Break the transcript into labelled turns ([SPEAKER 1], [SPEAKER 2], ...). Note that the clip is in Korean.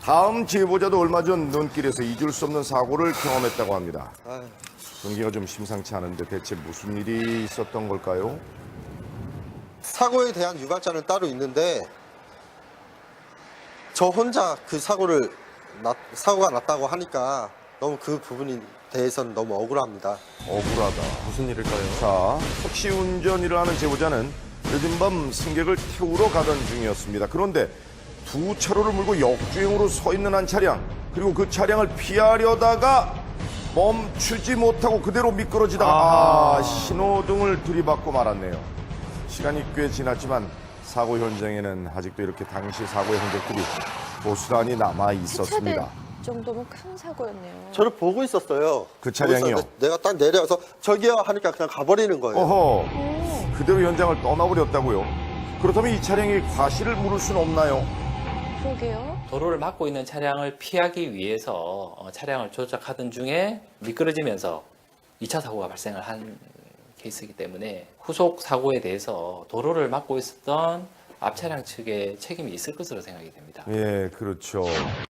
[SPEAKER 1] 다음 제보자도 얼마 전 눈길에서 잊을 수 없는 사고를 경험했다고 합니다. 경기가 좀 심상치 않은데 대체 무슨 일이 있었던 걸까요?
[SPEAKER 2] 사고에 대한 유발자는 따로 있는데 저 혼자 그 사고가 났다고 하니까 너무 그 부분에 대해서는 너무 억울합니다.
[SPEAKER 1] 억울하다.
[SPEAKER 3] 무슨 일일까요?
[SPEAKER 1] 자, 택시 운전일을 하는 제보자는 늦은 밤 승객을 태우러 가던 중이었습니다. 그런데 두 차로를 물고 역주행으로 서 있는 한 차량, 그리고 그 차량을 피하려다가 멈추지 못하고 그대로 미끄러지다가 신호등을 들이받고 말았네요. 시간이 꽤 지났지만 사고 현장에는 아직도 이렇게 당시 사고의 흔적들이 고스란히 남아 있었습니다.
[SPEAKER 4] 정도면 큰 사고였네요.
[SPEAKER 2] 저를 보고 있었어요.
[SPEAKER 1] 그 차량이요?
[SPEAKER 2] 보고 있었는데 내가 딱 내려서 저기요 하니까 그냥 가버리는 거예요.
[SPEAKER 1] 어허, 그대로 현장을 떠나버렸다고요? 그렇다면 이 차량이 과실을 물을 수는 없나요?
[SPEAKER 4] 그러게요.
[SPEAKER 5] 도로를 막고 있는 차량을 피하기 위해서 차량을 조작하던 중에 미끄러지면서 2차 사고가 발생을 한 케이스이기 때문에 후속 사고에 대해서 도로를 막고 있었던 앞 차량 측에 책임이 있을 것으로 생각이 됩니다.
[SPEAKER 1] 예, 그렇죠.